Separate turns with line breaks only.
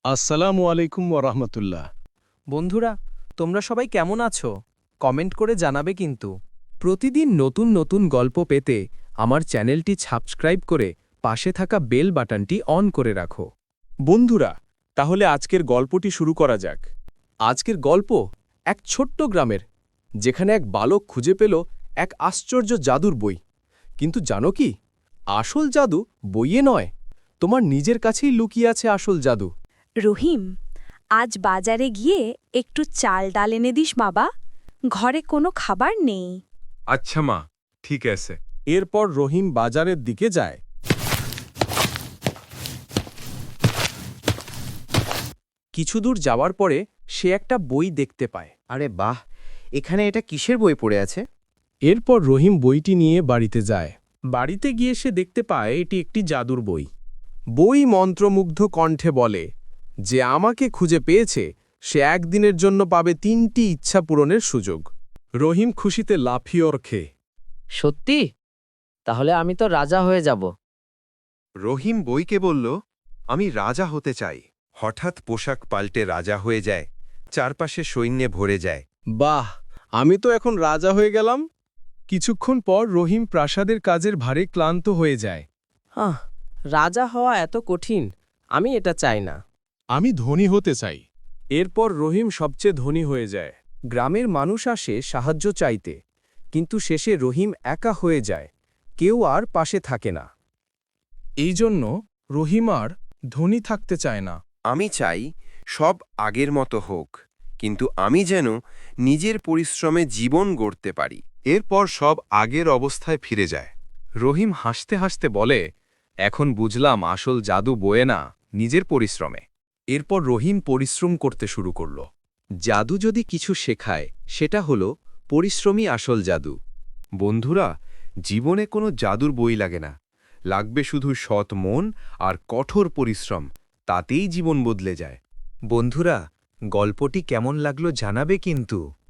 আসসালামু আলাইকুম ওরহমতুল্লাহ।
বন্ধুরা, তোমরা সবাই কেমন আছো? কমেন্ট করে জানাবে কিন্তু। প্রতিদিন নতুন নতুন গল্প পেতে আমার চ্যানেলটি সাবস্ক্রাইব করে পাশে থাকা বেল বাটনটি অন করে রাখো।
বন্ধুরা, তাহলে আজকের গল্পটি শুরু করা যাক।
আজকের গল্প এক ছোট্ট গ্রামের, যেখানে এক বালক খুঁজে পেল এক আশ্চর্য জাদুর বই। কিন্তু জানো কি, আসল জাদু বইয়ে নয়, তোমার নিজের কাছেই লুকিয়ে আছে আসল জাদু।
রহিম, আজ বাজারে গিয়ে একটু চাল ডাল এনে দিস বাবা, ঘরে কোনো খাবার নেই।
আচ্ছা মা, ঠিক আছে।
এরপর রহিম বাজারের দিকে যায়।
কিছু দূর যাওয়ার পরে সে একটা বই দেখতে পায়।
আরে বাহ, এখানে এটা কিসের বই পড়ে আছে?
এরপর রহিম বইটি নিয়ে বাড়িতে যায়। বাড়িতে গিয়ে সে দেখতে পায় এটি একটি জাদুর বই। বই মন্ত্রমুগ্ধ কণ্ঠে বলে, যে আমাকে খুঁজে পেয়েছে সে একদিনের জন্য পাবে ৩টি ইচ্ছা পূরণের সুযোগ। রহিম খুশিতে লাফিয়ে ওঠে।
সত্যি? তাহলে আমি তো রাজা হয়ে যাব।
রহিম বইকে বলল, আমি রাজা হতে চাই। হঠাৎ পোশাক পাল্টে রাজা হয়ে যায়, চারপাশে সৈন্যে ভরে যায়।
বাহ, আমি তো এখন রাজা হয়ে গেলাম। কিছুক্ষণ পর রহিম প্রাসাদের কাজের ভারে ক্লান্ত হয়ে যায়।
রাজা হওয়া এত কঠিন, আমি এটা চাই না।
আমি ধনী হতে চাই। এরপর রহিম সবচেয়ে ধনী হয়ে যায়।
গ্রামের মানুষ আসে সাহায্য চাইতে, কিন্তু শেষে রহিম একা হয়ে যায়, কেউ আর পাশে থাকে না।
এই জন্য রহিম আর ধনী থাকতে চায় না।
আমি চাই সব আগের মতো হোক, কিন্তু আমি যেন নিজের পরিশ্রমে জীবন গড়তে পারি। এরপর সব আগের অবস্থায় ফিরে যায়। রহিম হাসতে হাসতে বলে, এখন বুঝলাম আসল জাদু বয়ে না, নিজের পরিশ্রমে।
এরপর রহিম পরিশ্রম করতে শুরু করল।
জাদু যদি কিছু শেখায়, সেটা হলো পরিশ্রমী আসল জাদু। বন্ধুরা, জীবনে কোনো জাদুর বই লাগে না, লাগবে শুধু সৎ মন আর কঠোর পরিশ্রম, তাতেই জীবন বদলে যায়। বন্ধুরা, গল্পটি কেমন লাগলো জানাবে কিন্তু।